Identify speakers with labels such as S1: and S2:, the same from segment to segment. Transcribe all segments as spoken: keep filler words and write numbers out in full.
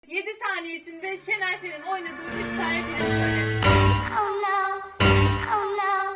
S1: yedi saniye içinde Şener Şen'in oynadığı üç tane film söyle.
S2: Oh no. Oh no.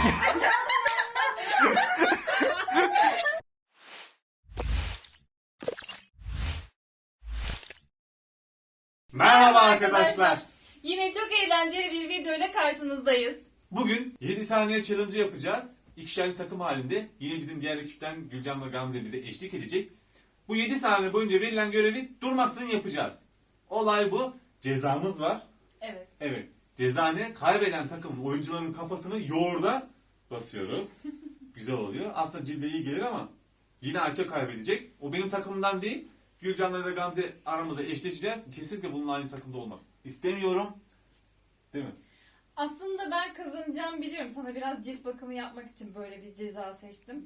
S3: Merhaba arkadaşlar.
S1: Yine çok eğlenceli bir video ile karşınızdayız.
S3: Bugün yedi saniye challenge yapacağız. İkişerli takım halinde. Yine bizim diğer ekipten Gülcan ve Gamze bize eşlik edecek. Bu yedi saniye boyunca verilen görevi durmaksızın yapacağız. Olay bu. Cezamız var.
S1: Evet.
S3: Evet. Ceza ne? Kaybeden takımın oyuncuların kafasını yoğurda basıyoruz. Güzel oluyor. Aslında cilde iyi gelir ama yine Ayça kaybedecek. O benim takımımdan değil. Gülcan'la da Gamze aramızda eşleşeceğiz. Kesinlikle bununla aynı takımda olmak istemiyorum. Değil mi?
S1: Aslında ben kazanacağım biliyorum. Sana biraz cilt bakımı yapmak için böyle bir ceza seçtim.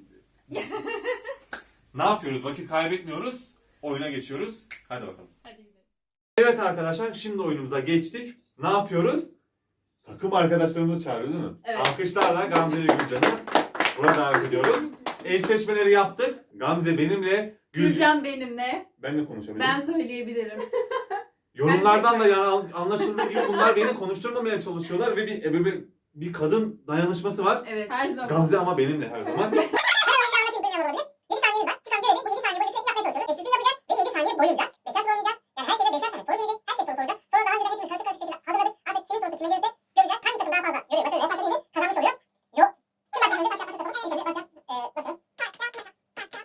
S3: Ne yapıyoruz? Vakit kaybetmiyoruz. Oyuna geçiyoruz. Hadi bakalım.
S1: Hadi gidelim.
S3: Evet arkadaşlar, şimdi oyunumuza geçtik. Ne yapıyoruz? Takım arkadaşlarımızı çağırıyoruz değil mi?
S1: Evet.
S3: Alkışlarla Gamze ve Gülcan'ı buraya davet ediyoruz. Eşleşmeleri yaptık. Gamze benimle, Gülcan...
S1: Gülcan benimle.
S3: Ben de konuşabilirim.
S1: Ben söyleyebilirim.
S3: Yorumlardan da yani anlaşıldığı gibi bunlar beni konuşturmamaya çalışıyorlar ve bir, bir, bir, bir kadın dayanışması var.
S1: Evet. Her zaman.
S3: Gamze ama benimle her zaman.
S4: yedi saniyemiz var. Çıkan görevi bu yedi saniye boyunca sürekli yapmaya çalışıyoruz. Eşsizlik yapacağız ve yedi saniye boyunca beşer soru oynayacağız. Yani herkese beşer tane soru gelecek. Herkes soru soracak. Sonra daha önceden hepimiz karşı karşı şekilde hazırladık. Artık kimin sorusu kime gelirse göreceğiz. Hangi takım daha fazla görevi başarılı yaparsa diyelim kazanmış oluyor. Yok. Kim başlasın önce taş yapmak istedim. İlk önce başla. Eee başla. Taş yapmak. Taş yapmak.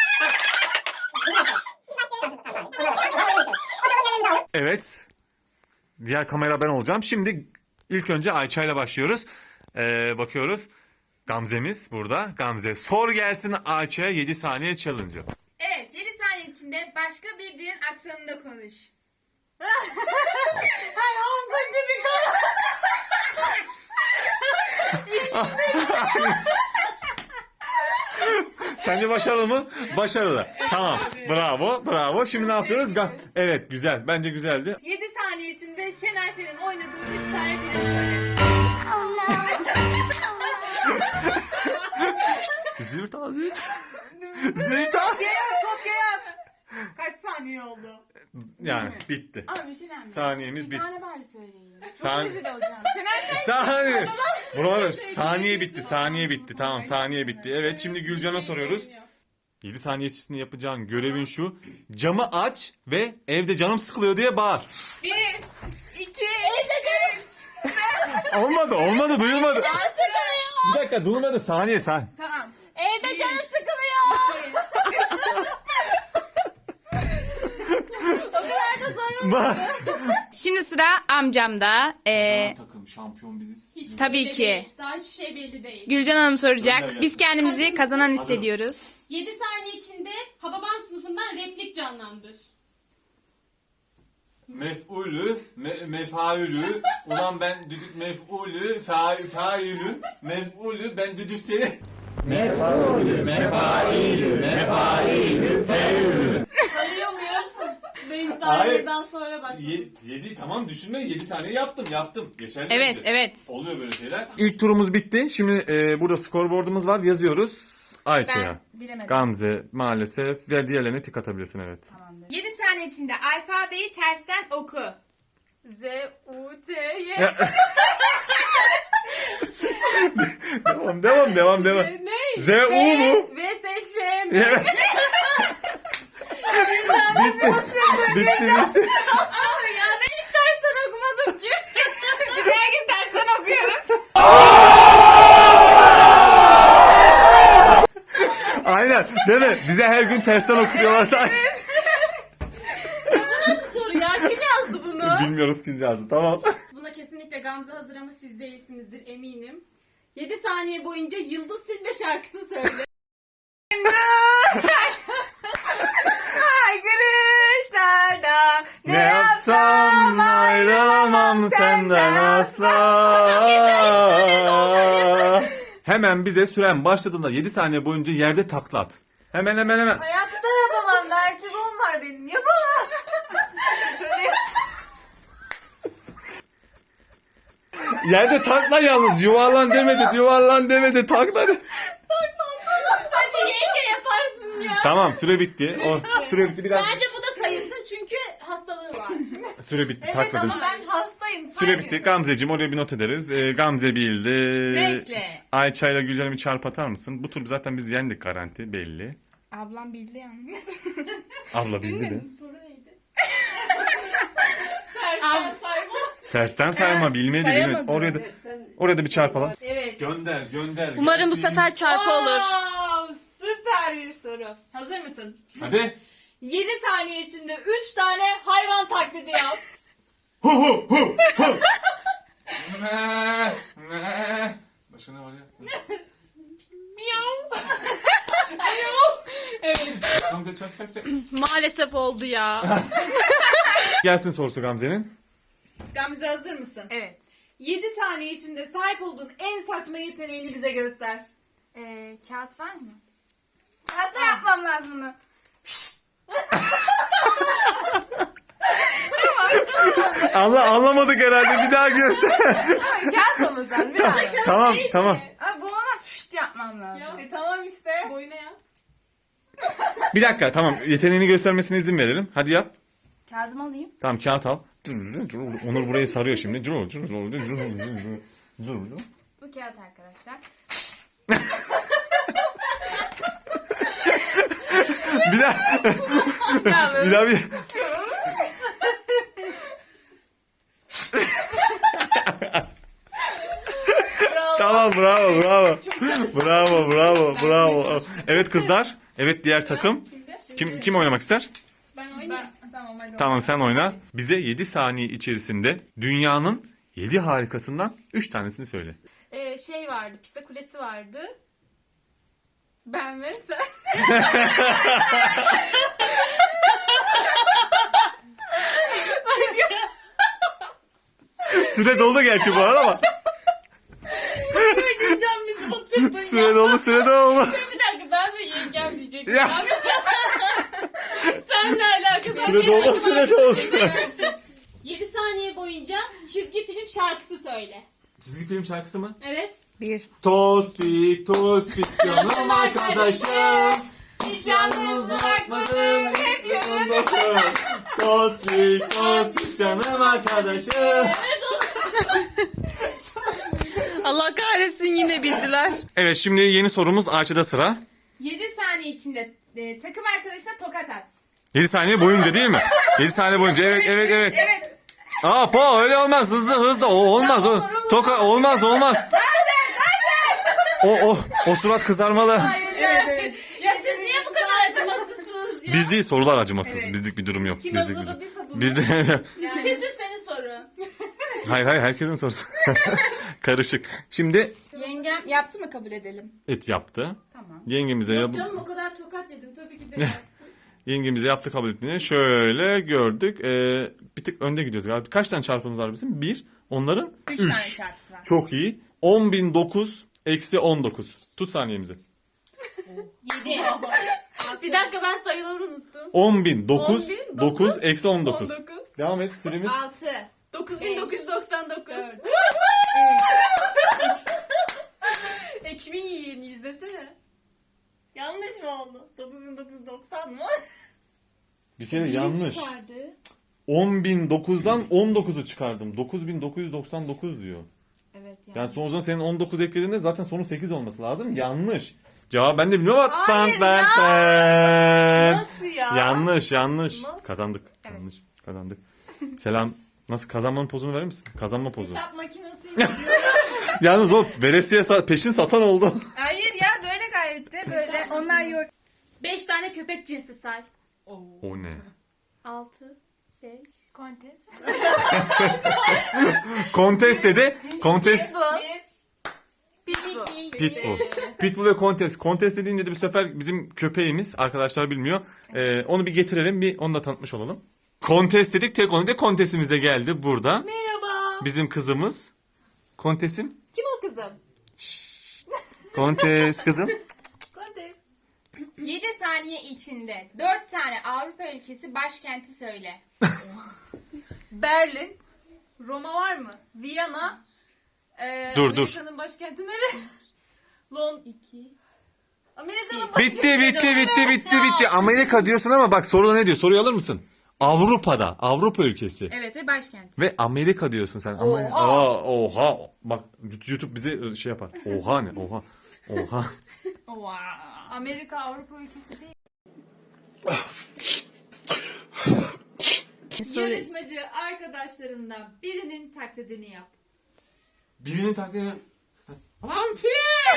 S4: Biz başlayalım. Biz başlayalım. Tamam. Ona başlayalım. O zaman yerlerimizi alalım.
S3: Evet. Diğer kamera ben olacağım. Şimdi ilk önce Ayça ile başlıyoruz. Ee, bakıyoruz. Gamze'miz burada. Gamze sor gelsin Ayça'ya yedi saniye challenge'ı.
S5: Evet, yedi saniye içinde başka bir dilin aksanında konuş.
S1: Hay Hamza gibi kal.
S3: Sence başarılı mı? Başarılı. Tamam. Bravo. Bravo. Şimdi ne yapıyoruz? Ga- evet güzel. Bence güzeldi.
S1: yedi saniye içinde Şener Şen'in oynadığı üç tane film söyle.
S2: Oh no.
S3: Züğürt al züğürt. Züğürt al.
S1: Kopya yap, kopya yap. Kaç saniye oldu?
S3: Yani bitti.
S5: Ama bir şey önemli.
S3: Saniyemiz
S5: Bir
S3: bitti.
S5: tane bari söyleyin. Çok
S3: San-
S5: rezil olacağım. Şener Şen
S3: Saniye. Bravo. Saniye bitti. Saniye bitti. Tamam saniye bitti. Evet şimdi Gülcan'a soruyoruz. yedi saniye içinde yapacağın görevin şu. Camı aç ve evde canım sıkılıyor diye bağır.
S5: bir, iki, üç.
S3: Olmadı. Olmadı. Duyulmadı. Şşt, bir dakika duyulmadı. Saniye sen.
S5: Tamam.
S1: Evde canım sıkılıyor.
S5: Şimdi sıra amcamda. Ee,
S3: takım şampiyon biziz.
S5: Hiç tabii
S6: belli
S5: ki.
S6: değil. Daha hiçbir şey belli değil.
S5: Gülcan Hanım
S3: Gönder
S5: soracak.
S3: gelsin.
S5: Biz kendimizi kazanan hissediyoruz.
S6: yedi saniye içinde Hababam sınıfından replik canlandır.
S3: Mef'ulü, me, mefaülü. Ulan ben düdük mef'ulü, fa, faülü, mef'ulü, ben düdük seni.
S1: Tanıyor muyuz? beş
S3: Hayır.
S1: saniyeden sonra başladı.
S3: Ye, yedi tamam düşünme yedi saniye yaptım yaptım. Geçerli
S5: Evet,
S3: bence.
S5: evet.
S3: Oluyor böyle şeyler. İlk turumuz bitti. Şimdi e, burada skorboardumuz var. Yazıyoruz. Ayça'ya.
S5: Ben bilemedim.
S3: Gamze maalesef ve diğerlerine tik atabilirsin evet.
S5: yedi saniye içinde alfabeyi tersten oku.
S1: Z, U, T, Y.
S3: devam devam devam devam.
S1: Ne?
S3: Z U mu?
S1: V, S, Ş, M.
S3: Evet. bitti. bitti bitti.
S1: Abi ya ben hiç tersten okumadım ki.
S5: Biz her gün tersten okuyoruz.
S3: Aynen değil mi? Bize her gün tersten okuyorlarsa.
S6: Nasıl soru ya? Kim yazdı bunu?
S3: Bilmiyoruz kim yazdı tamam.
S6: Buna kesinlikle Gamze hazır ama siz değilsinizdir eminim. yedi saniye boyunca Yıldız Silbe şarkısı söyle.
S5: Haykırışlarda
S3: Ne yapsam ayrılamam senden asla. Hemen bize süren başladığında yedi saniye boyunca yerde takla at. Hemen hemen hemen.
S1: Hayatta yapamam. Vertigom var benim. Yapamam.
S3: Yerde takla yalnız yuvarlan demedi yuvarlan demedi takla.
S6: Hadi yenge yaparsın ya.
S3: Tamam süre bitti. O süre bitti biraz.
S6: Bence bu da sayılsın çünkü hastalığı var.
S3: Süre bitti.
S1: Evet
S3: takladım.
S1: ama ben hastayım.
S3: Süre
S1: saymıyorum.
S3: bitti. Gamzeciğim oraya bir not ederiz. Ee, Gamze bildi.
S6: Zevkle.
S3: Ayça ile Gülcan'a bir çarp atar mısın? Bu tur zaten biz yendik garanti belli.
S6: Ablam bildi yani.
S3: Abla bildi de.
S6: Soru neydi?
S1: Tersten sayma.
S3: Tersten sayma bilmedi bilmedi.
S6: sayamadım.
S3: Oraya da, oraya da bir çarpalım.
S1: Evet.
S3: Gönder gönder.
S6: Umarım bu
S3: gelsin.
S6: sefer çarpı olur.
S1: Wow, süper bir soru. Hazır mısın?
S3: Hadi.
S1: yedi saniye içinde üç tane hayvan taklidi yap.
S3: Hu hu hu hu. Me, me. Başka ne var ya?
S1: Miyav.
S6: Evet.
S3: Gamze çak çak çak.
S6: Maalesef oldu ya.
S3: Gelsin sorusu Gamze'nin.
S1: Gamze hazır mısın?
S6: Evet.
S1: yedi saniye içinde sahip olduğun en saçma yeteneğini bize göster.
S6: Ee, kağıt var mı? Kağıtla yapmam lazım bunu.
S3: Allah anlamadık herhalde bir daha göster.
S6: Kağıtla mı sen? Bir daha.
S3: tamam tamam.
S6: Abi bu olmaz. Şşt yapmam lazım.
S1: E, tamam işte.
S6: Boyuna yap.
S3: Bir dakika tamam yeteneğini göstermesine izin verelim. Hadi yap.
S6: Kağıdımı alayım.
S3: Tamam kağıt al. Onur burayı sarıyor şimdi.
S6: Bu kağıt arkadaşlar.
S3: Bir daha. bir daha bir. Tamam bravo bravo. Bravo bravo bravo. Evet kızlar. Evet diğer takım. Kim kim oynamak ister?
S6: Ben oynayayım.
S1: Tamam hadi.
S3: Tamam sen oyna. Bize yedi saniye içerisinde dünyanın yedi harikasından üç tanesini söyle.
S6: Ee, şey vardı. Pisa Kulesi vardı. Ben ve sen.
S3: Süre doldu gerçi bu arada ama.
S1: Gülcan bizi batırdın.
S3: Süre doldu süre doldu.
S6: Bir dakika ben de yengem diyecektim.
S3: Ya.
S6: Sen ne alakası?
S3: Süre doldu süre doldu.
S6: yedi saniye boyunca çizgi film şarkısı söyle.
S3: Çizgi film şarkısı mı?
S6: Evet.
S3: Tospik tospik canım arkadaşım.
S6: Hiç yalnız bırakmadın. Hep
S3: yanındasın. Tospik tospik canım arkadaşım.
S1: Allah kahretsin yine bildiler.
S3: Evet şimdi yeni sorumuz Ayça'da sıra.
S6: yedi saniye içinde e, takım arkadaşına tokat at.
S3: yedi saniye boyunca değil mi? yedi saniye boyunca evet evet evet.
S6: Evet.
S3: Aa po öyle olmaz hızlı hızlı o olmaz o toka olmaz olmaz. O o o surat kızarmalı.
S6: Evet evet. Ya siz niye bu kadar acımasızsınız ya?
S3: Biz değil sorular acımasız.
S1: Evet.
S3: Bizlik bir durum yok.
S1: Kim
S3: Bizlik bir
S1: hazırladıysa bunu.
S3: Bizde
S6: Bir şey siz senin sorun.
S3: hayır hayır herkesin sorusu. Karışık. Şimdi
S6: Yengem yaptı mı kabul edelim?
S3: et yaptı.
S6: Tamam.
S3: Yengemize yap
S6: Canım o kadar tokat yedim tabii ki de yaptı.
S3: yengemize yaptı kabul ettiğini şöyle gördük. Ee, bir tık önde gidiyoruz galiba. Kaç tane çarpımız var bizim? Bir. Onların
S6: Üç tane
S3: üç.
S6: çarpısı var.
S3: Çok iyi. on bin dokuz eksi on dokuz. Tut saniyemizi.
S6: Yedi. Bir dakika ben sayıları unuttum.
S3: on bin dokuz
S6: on bin
S3: dokuz eksi on dokuz.
S6: on dokuz.
S3: Devam et süremiz.
S6: Altı. Dokuz bin dokuz yüz doksan dokuz. Ekmeği yiyin izlesene.
S1: Yanlış mı oldu? dokuz bin dokuz yüz doksan mı?
S3: Bir kere yanlış.
S6: Çıkardı.
S3: on bin dokuzdan on dokuzu çıkardım. dokuz bin dokuz yüz doksan dokuz diyor.
S6: Evet yani.
S3: Yani sonucunda senin on dokuz eklediğinde zaten sonu sekiz olması lazım. Yanlış. Cevap ben de bilmiyorum ama.
S6: Hayır
S3: Tan,
S6: ya.
S3: tan, tan.
S1: Nasıl ya?
S3: Yanlış yanlış.
S1: Nasıl?
S3: Kazandık. Yanlış. Kazandık. Selam. Nasıl kazanmanın pozunu verir misin? Kazanma pozu.
S1: Hesap makinesi.
S3: Yalnız o veresiye sa- peşin satan oldu.
S6: Hayır ya böyle gayet de böyle. Onlar yor. Beş tane köpek cinsi say.
S3: O ne?
S6: Altı. Beş. Kontes.
S3: Kontes dedi. Kontes.
S6: Pitbull.
S1: Bir.
S6: Pitbull.
S3: Pitbull. Pitbull ve Kontes. Kontes dediğinde de bu sefer bizim köpeğimiz. Arkadaşlar bilmiyor. Ee, onu bir getirelim. Bir onu da tanıtmış olalım. Kontes dedik. Tek onu da Kontesimiz de geldi burada.
S1: Merhaba.
S3: Bizim kızımız. Kontesim.
S1: Kim o kızım?
S3: Kontes kızım.
S1: Kontes.
S6: Yedi saniye içinde dört tane Avrupa ülkesi başkenti söyle.
S1: Berlin. Roma var mı? Viyana. Ee,
S3: Dur, dur.
S1: Amerika'nın başkenti nere? Londra.
S6: İki.
S1: Amerika'nın başkenti.
S3: Bitti bitti bitti bitti bitti. Amerika diyorsun ama bak soruda ne diyor? Soruyu alır mısın? Avrupa'da. Avrupa ülkesi.
S5: Evet ve başkent.
S3: Ve Amerika diyorsun sen. Ama
S5: Oha!
S3: Aa, oha. Bak YouTube bize şey yapar. Oha ne? Oha. Oha.
S5: Wow.
S1: Amerika Avrupa ülkesi değil. Yarışmacı arkadaşlarından birinin taklidini yap.
S3: Birinin taklidini... Vampir!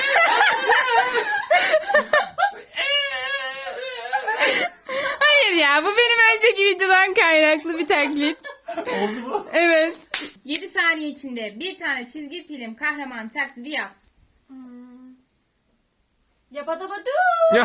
S5: Hayır ya, bu benim önceki videodan kaynaklı bir taklit.
S3: Oldu mu?
S5: Evet. yedi saniye içinde bir tane çizgi film kahraman taklidi yap.
S6: Yabadabadu.
S3: Ya.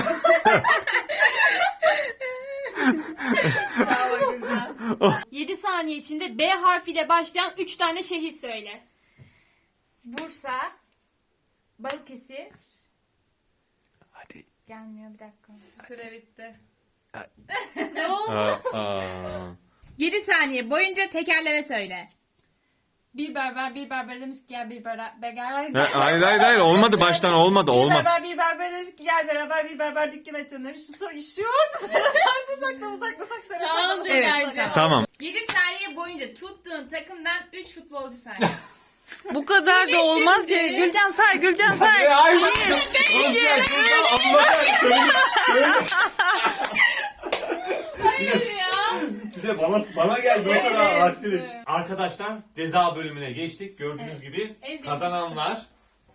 S6: Bravo Gülcan. yedi saniye içinde B harfiyle başlayan üç tane şehir söyle.
S5: Bursa, Balıkesir.
S3: Hadi.
S5: Gelmiyor, bir dakika.
S6: Süre bitti.
S3: Aa, aa.
S5: yedi saniye boyunca tekerleme söyle.
S1: Bir berber bir berber demiş ki gel bir berber gel.
S3: Ha, hayır hayır hayır olmadı baştan olmadı
S1: Bir
S3: olmadı.
S1: berber bir berber demiş ki gel beraber bir berber dükkan açalım demiş. Şu, so- şu orada saklı saklı saklı saklı.
S6: Tamam
S1: Evet,
S6: Dönerci.
S3: Tamam.
S5: yedi saniye boyunca tuttuğun takımdan üç futbolcu say.
S1: Bu kadar da olmaz ki.
S5: şimdi.
S1: Gülcan say, Gülcan say.
S3: Hayır. Hayır.
S5: Hayır ya.
S3: Bir de bana, bana geldi o sıra
S6: Evet.
S3: aksilik. Arkadaşlar ceza bölümüne geçtik. Gördüğünüz gibi
S6: En zevklisi.
S3: kazananlar,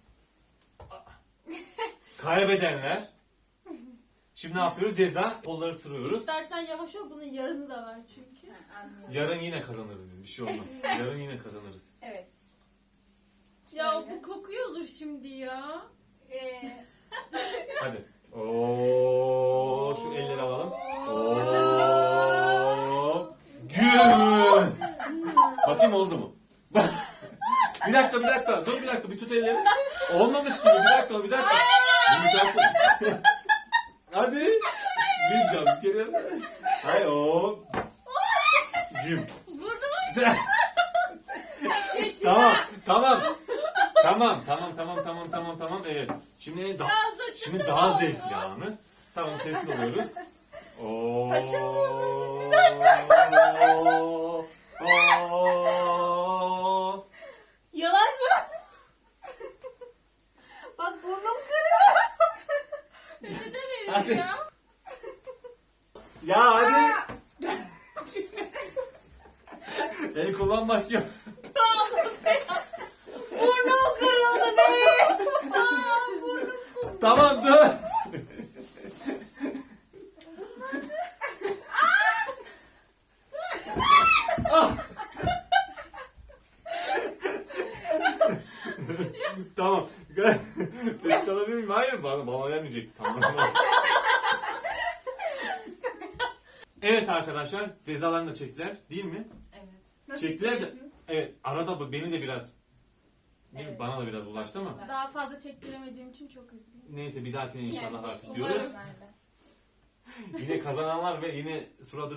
S3: kaybedenler. Şimdi ne yapıyoruz? Ceza kolları sırıyoruz.
S6: İstersen yavaş ol, bunun yarını da var çünkü.
S3: Yarın yine kazanırız biz. Bir şey olmaz. Yarın yine kazanırız.
S5: Evet.
S6: Ya bu kokuyordur şimdi ya.
S5: Ee,
S3: Hadi. Oo, şu elleri alalım. Oo. Güm. Bakayım oldu mu? Bir dakika, bir dakika. Dur bir dakika. Bir tut elleri. Olmamış gibi. Bir dakika, bir dakika. Bir misafir. Hadi. Bir can bir kere. Hayır o. Güm. Tamam, tamam. Tamam, tamam, tamam, tamam, tamam, tamam. Evet. Şimdi daha, şimdi daha zevkli anı. Tamam, sessiz oluyoruz. Oo.
S1: Saçım bozulmuş, bir dakika.
S3: Oo. Oo.
S1: Yavaş mı? Bak burnum kırıyor.
S6: Peçete verin
S3: Hadi.
S6: ya.
S3: Ya hadi. El kullanmak yok.
S1: Burnum kırıldı be. Aa, burnum su.
S3: Tamam dur. Tamam. Peşte alabilir miyim? Hayır bana, bana gelmeyecek. Tamam. Evet arkadaşlar cezalarını da çektiler değil mi?
S6: Evet.
S1: Nasıl
S3: Çektiler de.
S1: hissediyorsunuz?
S3: Evet arada bu- beni de biraz değil mi?
S6: Evet.
S3: Bana da biraz bulaştı ama.
S6: Daha fazla çektiremediğim için çok üzgünüm.
S3: Neyse bir dahakine inşallah
S6: Yani,
S3: artık
S6: umarım.
S3: diyoruz. Yine kazananlar ve yine suratı...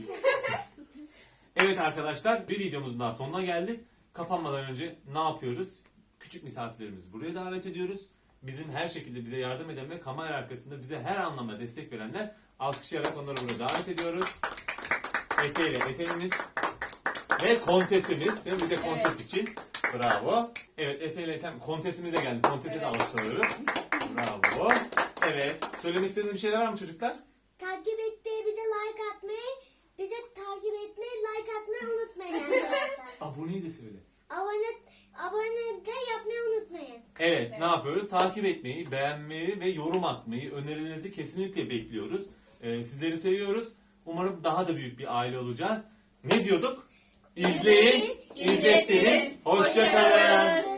S3: Evet arkadaşlar bir videomuzun daha sonuna geldik. Kapanmadan önce ne yapıyoruz? Küçük misafirlerimizi buraya davet ediyoruz. Bizim her şekilde bize yardım eden ve kamera arkasında bize her anlamda destek verenler alkışlayarak onları buraya davet ediyoruz. Efe ile Efe'miz ve kontesimiz. Değil mi? Bir de kontes
S6: Evet.
S3: için. Bravo. Evet Efe ile Ethem kontesimiz de geldi. Kontesi de
S6: Evet.
S3: alkışlıyoruz. Bravo. Evet. Söylemek istediğiniz bir şeyler var mı çocuklar?
S4: Takip etmeyi, bize like atmayı, bize takip etmeyi, like atmayı unutmayın arkadaşlar.
S3: Aboneyi de söyle.
S4: abone, abone de yapmayı unutmayın.
S3: Evet, ne yapıyoruz? Takip etmeyi, beğenmeyi ve yorum atmayı, önerilerinizi kesinlikle bekliyoruz. Ee, sizleri seviyoruz. Umarım daha da büyük bir aile olacağız. Ne diyorduk? İzleyin, izlettirin. Hoşça kalın.